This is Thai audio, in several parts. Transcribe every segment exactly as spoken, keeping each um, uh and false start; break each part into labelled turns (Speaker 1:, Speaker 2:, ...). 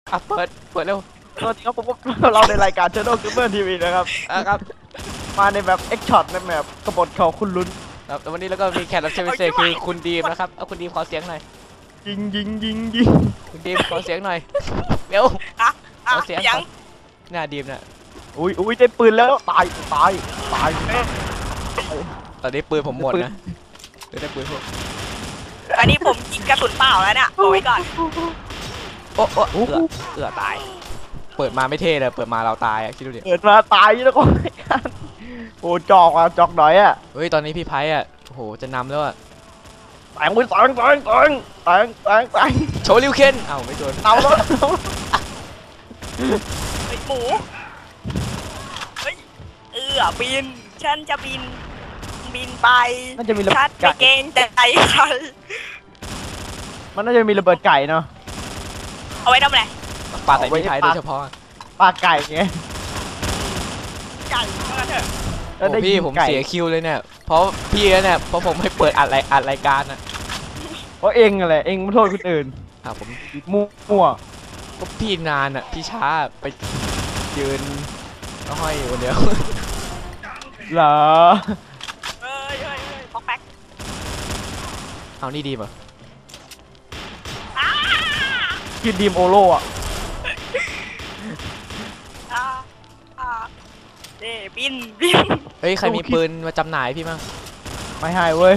Speaker 1: อ่ะเปิดเปิดเร็ว
Speaker 2: สวัสดีครับผมเราในรายการ Shadow Gamer ที วี นะครับ
Speaker 1: อ่ะครับ
Speaker 2: มาในแบบ X Shot ในแบบกบฏของคุณลุ้น
Speaker 1: ครับแล้ววันนี้แล้วก็มีแขกรับเชิญพิเศษคือคุณดีมนะครับเอาคุณดีมขอเสียงหน่อย
Speaker 2: ยิงยิงยิงยิง
Speaker 1: คุณดีมขอเสียงหน่อยเร็วขอเสียงครับหน้าดีมน่ะ
Speaker 2: อุ้ยอุ้ยได้ปืนแล้วตายตายตาย
Speaker 1: ตอนนี้ปืนผมหมดนะได้ปืนผม
Speaker 3: อันนี้ผมยิงกระสุนเปล่าแล้วเนี่ยเอาไว้ก่อน
Speaker 1: โอ้โอ้เอือเอือตายเปิดมาไม่เท่เลยเปิดมาเราตายอ่ะคิดดูดิ
Speaker 2: เปิดมาตายแล้วก็โอ้จอกอ่ะจอกหน่อยอ่ะ
Speaker 1: เฮ้ยตอนนี้พี่ไพ่อ่ะโอ้โหจะนำแล้วอ่ะ
Speaker 2: แตงไปแตงแตงแตงแตงแตงแตง
Speaker 1: โชว์ลิวเคนเอ้าไม่โดน
Speaker 2: เอาแล้ว
Speaker 3: ไอหมูเฮ้ยเออบินฉันจะบินบินไป
Speaker 2: น่าจะมีระเบิด
Speaker 3: ไก่เกงใจใคร
Speaker 2: มันน่าจะมีระเบิดไก่เนาะ
Speaker 3: เอาไว้ทำอะไร
Speaker 1: ปาใส่พี่ไพ่โดยเฉพาะ
Speaker 2: ปลาไก่ไง
Speaker 3: ไก่มาเถอะ
Speaker 1: โอ้พี่ผมเสียคิวเลยเนี่ยเพราะพี่เนี่ยเพราะผมไม่เปิดอัดรายอัดรายการนะ
Speaker 2: เพราะเองอะไรเองไม่โทษคนอื่น
Speaker 1: อ่ะผม
Speaker 2: มั่ว
Speaker 1: ก็พี่นานอ่ะพี่ช้าไปยืนก็ห้อยอยู่คนเดียว
Speaker 2: เหรอ
Speaker 3: เฮ้ยเฮ้ยเฮ้ยป๊อกแป๊ก
Speaker 1: เอานี่ดีป่ะ
Speaker 2: กินดีมโอโร่อะ
Speaker 3: เด้บินบิน
Speaker 1: เฮ้ยใครมีปืนมาจำหน่ายพี่มั้ง
Speaker 2: ไม่ให้เว้ย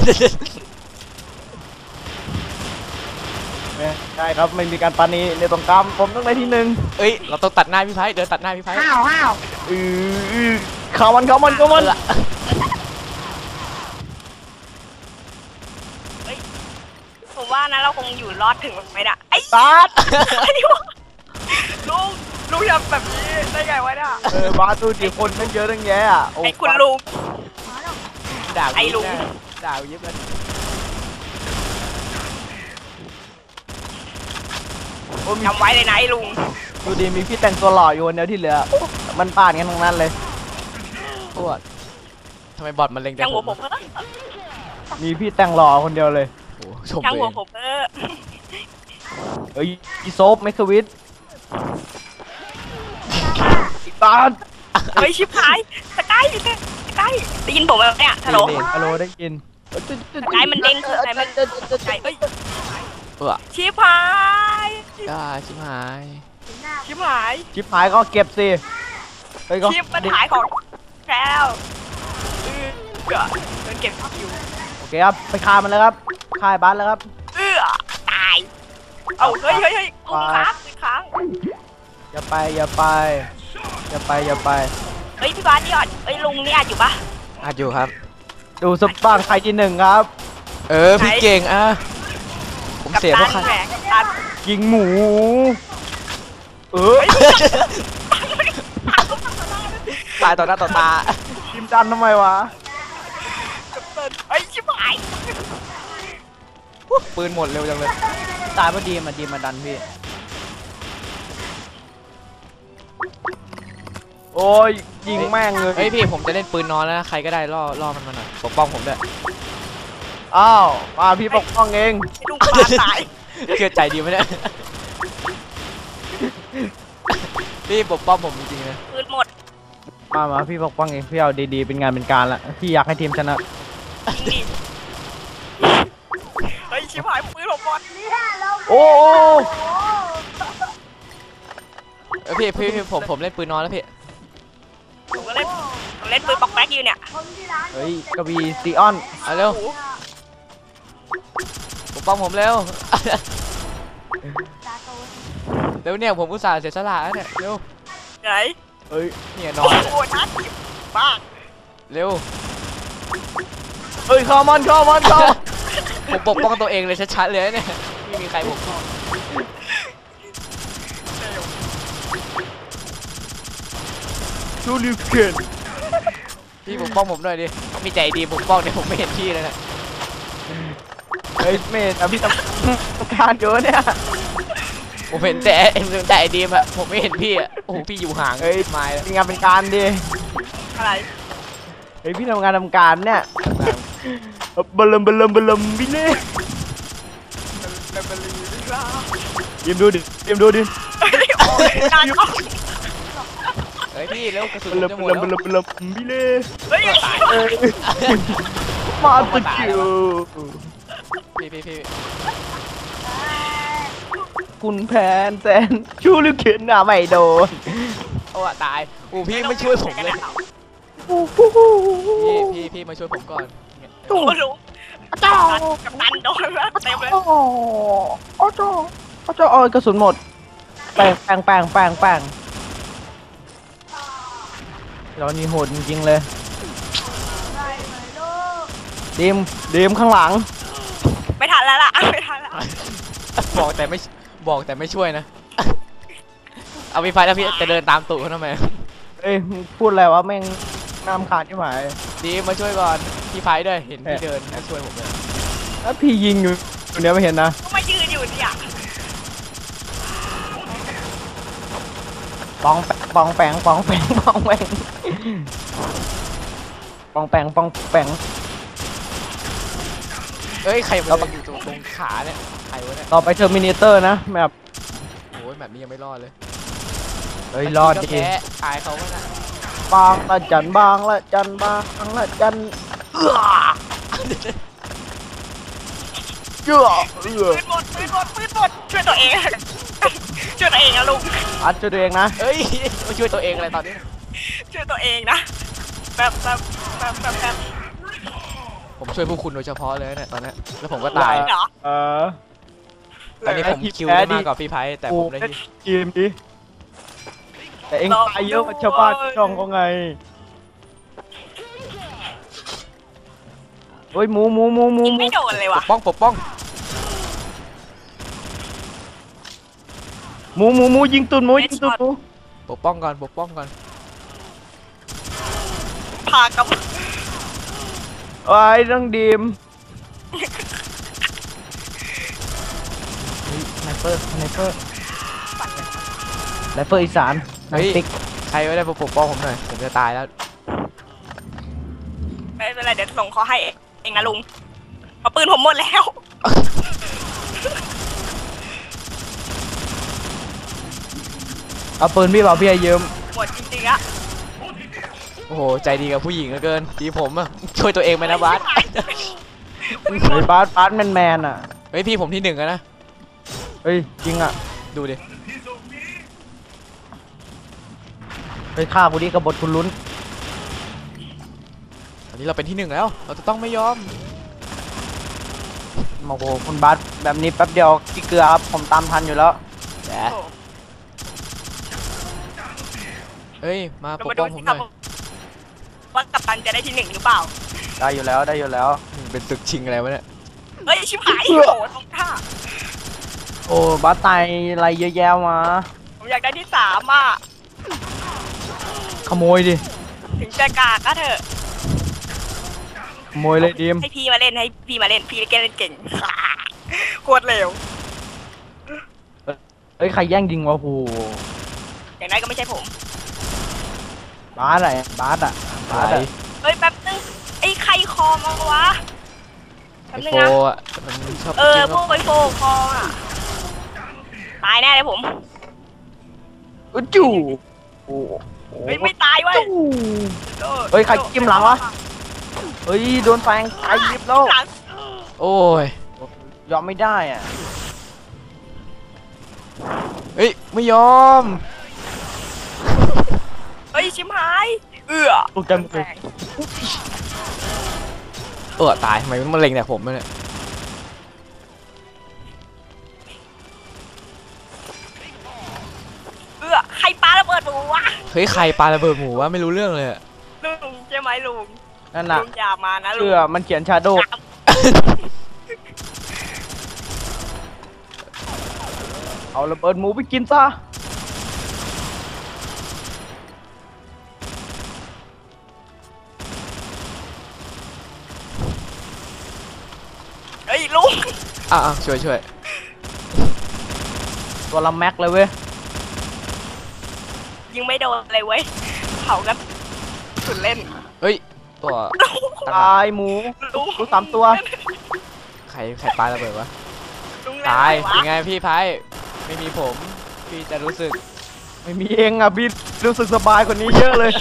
Speaker 2: ใช่ครับไม่มีการปานีในตรงกลางผมต้องได้ที่หนึ่ง
Speaker 1: เอ้ยเราต้องตัดหน้าพี่ไพ่เดินตัดหน้าพี่ไพ่
Speaker 3: ห้าวห้าว
Speaker 2: อือเข้ามันเข้ามันเข้ามัน
Speaker 3: ผมว่านะเราคงอยู่รอดถึงไหมน่ะไอ้
Speaker 2: ตัด
Speaker 3: ลุงลุงทำแบบนี้ได้ไงวะเนี่ย
Speaker 2: เออบาตูจีคนตั้งเยอะตั้งแยะอ่ะ
Speaker 3: ไอ้คุณลุง
Speaker 1: ด่า
Speaker 3: ไอ้ลุง
Speaker 1: ด่ายิบเลย
Speaker 3: จำไว้เลยนะไอ้ลุง
Speaker 2: ดูดีมีพี่แต่งตัวหล่ออยู่คนเดียวที่เหลือมันป่านกันทั้งนั้นเลย
Speaker 1: ปวดทำไมบอทมันเล็งแต่ผม
Speaker 2: มีพี่แต่งหล่อคนเดียวเลย
Speaker 1: โอ้ชมเลย
Speaker 3: ช่างหัวผมเออ
Speaker 2: เอ้ยอีโซฟเมควิทอีตา
Speaker 3: เฮ้ยชิบหายสกายสกายได้ยินผมไหมเนี่ยฮัลโหล
Speaker 2: ฮัลโหลได้ยิน
Speaker 3: สกายมันเด้งคืออะไรมันสกายเฮ้ย
Speaker 1: เออ
Speaker 3: ชิบหาย
Speaker 1: อ่าชิบหาย
Speaker 3: ชิบหาย
Speaker 2: ชิบหายก็เก็บสิ
Speaker 3: เฮ้ยก็ชิบมันหายของแล้วเออเงินเก็บอยู่
Speaker 2: โอเคครับไปฆ่ามันแล้วครับฆ่าบ้านแล้วครับ
Speaker 3: เออตายเอาเฮ้ยเฮ้ยเฮ้ยกูค้างกูค้าง
Speaker 2: อย่าไปอย่าไปอย่าไปอย่าไป
Speaker 3: เฮ้ยพี่บ้านนี่อ่ะเฮ้ยลุงนี่อ่ะอยู่ปะ
Speaker 1: อ่ะอยู่ครับ
Speaker 2: ดูสบ้างใครที่หนึ่งครับ
Speaker 1: เออพี่เก่งอ่ะผมเสียเพราะใคร
Speaker 2: ยิงหมูเออ
Speaker 1: ตายต่อหน้าต่อตา
Speaker 2: ทีมดันทำไมวะ
Speaker 3: ไอ้ชิบหาย
Speaker 1: ปืนหมดเร็วจังเลย
Speaker 2: ตายพอดีมาดีมาดันพี่โอ้ยยิงแม่งเลย
Speaker 1: เฮ้ยพี่ผมจะเล่นปืนนอนแล้วนะใครก็ได้ล่อล่อมันมาหน่อยปกป้องผมด้วย
Speaker 2: อ้าวมาพี่ปกป้องเอง
Speaker 3: ลุงปลาตาย
Speaker 1: เชื่อใจดีไหมเนี่ยพี่ปกป้องผมจริงๆนะ
Speaker 3: ปืนหมด
Speaker 2: มามาพี่ปกป้องเองพี่เอาดีๆเป็นงานเป็นการละพี่อยากให้ทีมชนะ
Speaker 3: เฮ้ยชิบหายปืนผมหมด
Speaker 2: โอ้
Speaker 1: เออพี่พี่พี่ผมผมเล่นปืนนอนแล้วพี่
Speaker 3: ผมก็เล่นผมเล่นปืนป๊อกแป๊กอยู่เนี่ย
Speaker 2: เฮ้ยกระบี่ซีออน
Speaker 1: เอาเร็วปกป้องผมเร็วเร็วเนี่ยผมอุตส่าห์เสียสละแล้วเนี่ยเร็ว
Speaker 3: ไหน
Speaker 2: เฮ้ย
Speaker 1: เนี่ยนอน
Speaker 3: โอ้ยน่าจิบบ้า
Speaker 1: เร็ว
Speaker 2: เฮ้ยเข้ามันเข้ามันเข้า
Speaker 1: ผมปกป้องตัวเองเลยชัดๆเลยเนี่ยไม่มีใครปกป้อง
Speaker 2: ชูลิวเคน
Speaker 1: พี่ปกป้องผมหน่อยดิมีใจดีปกป้องเนี่ยผมไม่เห็นพี่เลยนะ
Speaker 2: เฮ้ยเมย์แต่พี่ทำการเยอะเนี่ย
Speaker 1: ผมเห็นแต่เห็นแต่ไอดีมอะผมไม่เห็นพี่อะโอ้โหพี่อยู่ห่าง
Speaker 2: เฮ้ย
Speaker 1: มา
Speaker 2: เป็นงานเป็นการดิ
Speaker 3: อะไร
Speaker 2: เฮ้ยพี่ทำงานทำการเนี่ยบลมบลมบลมพี่เน่ยิมดูดิยิมดูดิ
Speaker 3: โอ้ยนานก็
Speaker 1: เฮ้ยพี่เร็วกระสุน
Speaker 2: บล
Speaker 1: จะ
Speaker 2: ม
Speaker 1: หม
Speaker 2: บ
Speaker 1: ด
Speaker 2: ลม
Speaker 1: แล้ว
Speaker 2: บลมบลมบิเล่
Speaker 3: เฮ้ย
Speaker 2: เอ้ยมาตะคิว
Speaker 1: พี่พี่พี่
Speaker 2: คุณแพนแซนชูลูกเข็นอ่ะไม่โดน
Speaker 1: โอ้ตายอูพี่ไม่ช่วยผมเลยพี่พี่พี่มาช่วยผมก่อน
Speaker 3: โอ้รู้จ้ากับตันโดนแล้วเต็มเลย
Speaker 2: โอ้โหโอ้โหโอ้โหโอ้ยกระสุนหมดแปงแปงแปงแปงแปงเรานี่โหดจริงๆเลยดีมดีมข้างหลัง
Speaker 3: ไม่ทันแล้วล่ะไม่ทันแล้ว
Speaker 1: บอกแต่ไม่บอกแต่ไม่ช่วยนะ เอาพี่ไฟแล้วพี่จะเดินตามตู่เขาทำไม
Speaker 2: เอ้ยมึงพูดอะไรวะแม่งน้ำขาดที่หมาย
Speaker 1: ดีมาช่วยก่อนพี่ไฟด้วยเห็นพี่เดินมาช่วยผมเลย
Speaker 2: แล้วพี่ยิงอยู่อยู่เนี้ยไม่เห็นนะ
Speaker 3: ก็มายืนอยู่เนี่ย
Speaker 2: ปองแปงปองแปงปองแปงปองแปงปองแปงปองแปง
Speaker 1: เอ้ยใครมันอยู่ตรงตรงขาเนี่ยใครวะเนี่ย
Speaker 2: ต่อไปเทอร์มินเตอร์นะแบบ
Speaker 1: โอ้ยแบบนี้ยังไม่รอดเลย
Speaker 2: เฮ้ยรอด
Speaker 1: ก็
Speaker 2: ดี
Speaker 1: แพ้อายเขาก็นะ
Speaker 2: บางละจันบางละจันบางละจันเอื้อเอื้อเอื้อ
Speaker 3: ปืนหมดปืนหมดปืนหมดช่วยตัวเองช่วยตัวเองนะลุง
Speaker 2: อัดช่วยตัวเองนะ
Speaker 1: เอ้ยมาช่วยตัวเองอะไรตอนนี้
Speaker 3: ช่วยตัวเองนะแบบแบบแบบแบบแบบ
Speaker 1: ผมช่วยพวกคุณโดยเฉพาะเลยเนี่ยตอนนี้แล้วผมก็ตาย
Speaker 3: เหรอ
Speaker 2: เออ
Speaker 1: ตอนนี้ผมคิวได้มากกว่าพี่ไพ่แต่ผมได้ที่
Speaker 2: ทีมดิแต่เองตายเยอะกว่าชาวบ้านชาวช่องเขาไงเฮ้ยหมูหมูหมูหมู
Speaker 3: ยิง
Speaker 2: หมู
Speaker 3: ไม่โดนเลย
Speaker 1: ป
Speaker 3: ว่ะ
Speaker 1: กป้องปกป้อง
Speaker 2: หมูหมูหมูยิงตุนหมูยิงตุนหมู
Speaker 1: ปกป้องก่อนปกป้องก่อน
Speaker 3: พากับ
Speaker 2: ไอ้ยต้องดีมไนเปอร์ไนเปอร์ไนเปอร์อีสานไน
Speaker 1: เฮ้ย
Speaker 2: ติ๊ก
Speaker 1: ใครไม่ได้ปกป้องผมหน่อยผมจะตายแล้ว
Speaker 3: ไม่เป็นไรเดี๋ยวส่งเขาให้เองนะลุงเพราะปืนผมหมดแล้ว
Speaker 2: เอาปืนพี่เปล่าพี่ให้ยืม
Speaker 3: หมดจริงๆอะ
Speaker 1: โอ้โหใจดีกับผู้หญิงเหลือเกินทีผมอะช่วยตัวเองไปนะบาส
Speaker 2: เฮ้ยบาสบาสแมนแมนอ่ะ
Speaker 1: เฮ้ยพี่ผมที่หนึ่งอะนะ
Speaker 2: เฮ้ยจริงอ่ะ
Speaker 1: ดูดิ
Speaker 2: ไปฆ่ากูดิกบฏคุณลุ้น
Speaker 1: ตอนนี้เราเป็นที่หนึ่งแล้ว เราจะต้องไม่ยอม
Speaker 2: โอ้โหคุณบาสแบบนี้แป๊บเดียวกี่เกลือครับผมตามทันอยู่แล้ว
Speaker 1: แหมเฮ้ยมา
Speaker 3: เรา
Speaker 1: ปก
Speaker 3: มา
Speaker 1: ป้
Speaker 3: ดู
Speaker 1: องผ
Speaker 3: สิ
Speaker 1: ม
Speaker 3: ค
Speaker 1: ห
Speaker 3: รั
Speaker 1: น่
Speaker 3: บ
Speaker 1: อย
Speaker 3: ว่ากัปตันจะได้ที่หนึ่งหรือเปล่า
Speaker 2: ได้อยู่แล้วได้อยู่แล้ว
Speaker 1: เป็นศึกชิงอะไรวะเนี่ย
Speaker 3: เฮ้ยชิบหายโอ้โหตรงท่า
Speaker 2: โอ้บาสตายอะไรเยอะแยะมา
Speaker 3: ผมอยากได้ที่สามอ่ะ
Speaker 2: ขโมยดิ
Speaker 3: ถึงจะกากก็เถอะ
Speaker 2: ขโมยเลยดีม
Speaker 3: ให้พี่มาเล่นให้พี่มาเล่นพี่เล่นเก่ง โคตรเร็ว
Speaker 2: เฮ้ยใครแย่งยิงวะโห
Speaker 3: อย่างนั้นก็ไม่ใช่ผม
Speaker 2: บาสอะไรบาสอ่ะบาสอะ
Speaker 3: เฮ้ยแป๊บนึงไอ้ใครคอมาวะแป๊
Speaker 1: ไอบ
Speaker 3: นึง
Speaker 1: โฟ
Speaker 3: นะ
Speaker 1: อะมันชอบ
Speaker 3: เออ
Speaker 1: กิน
Speaker 3: พวกไอโฟคออ่ะตายแน่เลยผม
Speaker 2: อุ๊ยจู่โอ้โห
Speaker 3: เฮ้ยไม่ตายเว้ย
Speaker 2: จู่เฮ้ยใครจิ้มหลังวะเฮ้ยโดนแฟงใครยิบแล้ว
Speaker 3: หลัง
Speaker 1: โอ้ย
Speaker 2: ยอมไม่ได้อ่ะ
Speaker 1: เฮ้ยไม่ยอม
Speaker 3: เฮ้ยชิมหายเอือ
Speaker 2: ตกใจหมดเลย
Speaker 1: เออตายทำไมมันมาเล็งแต่ผมเนี่ย
Speaker 3: เอือใครปาระเบิดหมูวะ
Speaker 1: เฮ้ยใครปาระเบิดหมูวะไม่รู้เรื่องเลยอะ
Speaker 3: ลุงใช่ไหมลุง
Speaker 2: นั่นน่ะ
Speaker 3: ลุงอย่ามานะลุง
Speaker 2: เชื่อมันเขียนชาโดว์เอาระเบิดหมูไปกินซะ
Speaker 3: เฮ้ยลุง
Speaker 1: อ่ะอ่ะช่วยช่วย
Speaker 2: ตัวละแม็กเลยเว้ย
Speaker 3: ยิงไม่โดนเลยเว้ยเผากันสุดเล่น
Speaker 1: เฮ้ยตัว
Speaker 3: ลุง
Speaker 2: ตายหมู
Speaker 3: ลุง
Speaker 2: หมูสามตัว
Speaker 1: ใครใครปาระเบิดวะ
Speaker 3: ลุงเล่น
Speaker 1: ตาย
Speaker 3: อะไร
Speaker 1: เป็น
Speaker 3: วะ
Speaker 1: ไงพี่ไพ่ไม่มีผมพี่พี่จะรู้สึก
Speaker 2: ไม่มีเองอ่ะพี่รู้สึกสบายกว่านี้เยอะเลย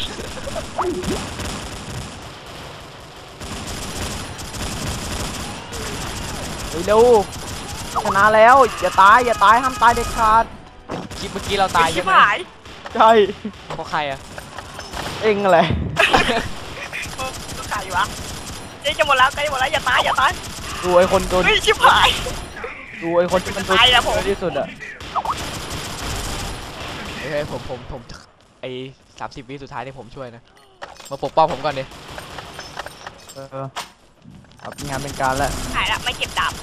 Speaker 2: เฮ้ยเร็วชนะแล้วอย่าตายอย่าตายห้ามตายเด็ดขาด
Speaker 1: คลิปเมื่อกี้เราตาย
Speaker 3: ชิ
Speaker 1: ใช่
Speaker 3: บ
Speaker 1: ไหม
Speaker 3: หาย
Speaker 2: ใช่
Speaker 1: เพราะใครอะ
Speaker 2: เองอะไร
Speaker 3: ก็ขายวะเจ๊จะหมดแล้วใกล้หมดแล้วอย่าตายอย่าตาย
Speaker 2: ดูไอ้คนตัว
Speaker 3: เฮ้ยชิบหาย
Speaker 2: ดูไอ้คนที่มันตัว
Speaker 3: ตายแล้วผม
Speaker 2: ที่สุดอ่ะ
Speaker 1: เฮ้ยผมผมผมไอ้สามสิบวิสุดท้ายนี่ผมช่วยนะมาปกป้องผมก่อนดิ
Speaker 2: เออครับงานเป็นการแล้ว
Speaker 3: หายละไม่เก็บดาบ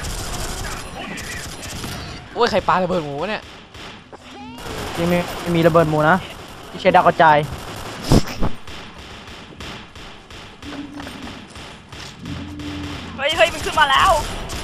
Speaker 1: โอ้ยใครปาระเบิดหมูวะเนี่ย
Speaker 2: ที่ไม่ไม่มีระเบิดหมูนะที่ใช้ดาวกระจาย
Speaker 3: เฮ้ยเฮ้ยมันขึ้นมาแล้ว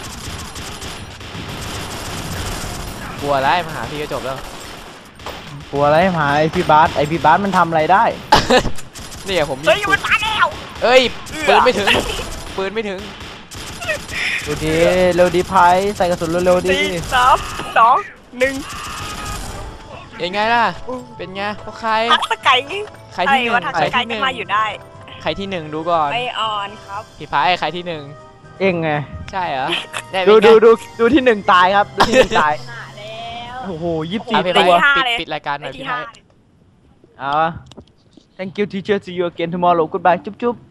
Speaker 1: กลัวอะไรมาหาพี่ก็จบแล้ว
Speaker 2: กลัวอะไรหาไอพี่บาสไอพี่บาสมันทำอะไรได้
Speaker 1: นี่ไงผมมี
Speaker 3: เฮ้ย
Speaker 1: ปื
Speaker 3: มัน นตายแล้ว
Speaker 1: เอ้ย
Speaker 3: เอื้
Speaker 1: ปื
Speaker 3: อ
Speaker 1: นไม่ถึงปืนไม่ถึง
Speaker 2: ดูดีเร็วดีไพใส่กระสุนเร็วๆดี
Speaker 3: สี่สามสองหนึ่ง
Speaker 1: ยังไงล่ะเป็นไงเพราะใคร
Speaker 3: ทักสไก่
Speaker 1: ใครที่หนึ่ง
Speaker 3: ว่าทัก
Speaker 1: ใคร
Speaker 3: สไก่
Speaker 1: ที่ห
Speaker 3: ก็
Speaker 1: นึ่ง
Speaker 3: มาอยู่ได้
Speaker 1: ใครที่หนึ่งดูก่อน
Speaker 3: ไม่ออนครับ
Speaker 1: พี่ฟ้าไอ้ใครที่หนึ่ง
Speaker 2: เองไง
Speaker 1: ใช่เหรอเนี่ย
Speaker 2: ดู
Speaker 1: เป็นไง
Speaker 2: ดูดูดูที่หนึ่งตายครับดูที่หนึ่งตาย
Speaker 3: หาแล้ว
Speaker 2: โอ้โหยี่สิบ
Speaker 1: อ่ะ
Speaker 2: สี่
Speaker 1: พี่
Speaker 2: ตัว
Speaker 1: ฟ้า
Speaker 3: ห้า
Speaker 1: ปิด
Speaker 3: เลย
Speaker 1: ปิดรายการห
Speaker 3: ไป
Speaker 1: น่อย
Speaker 3: ที่
Speaker 1: พี่
Speaker 3: ห้า
Speaker 1: ฟ้า
Speaker 2: เอา thank you teacher see you again tomorrow goodbye จุ๊บจุ๊บ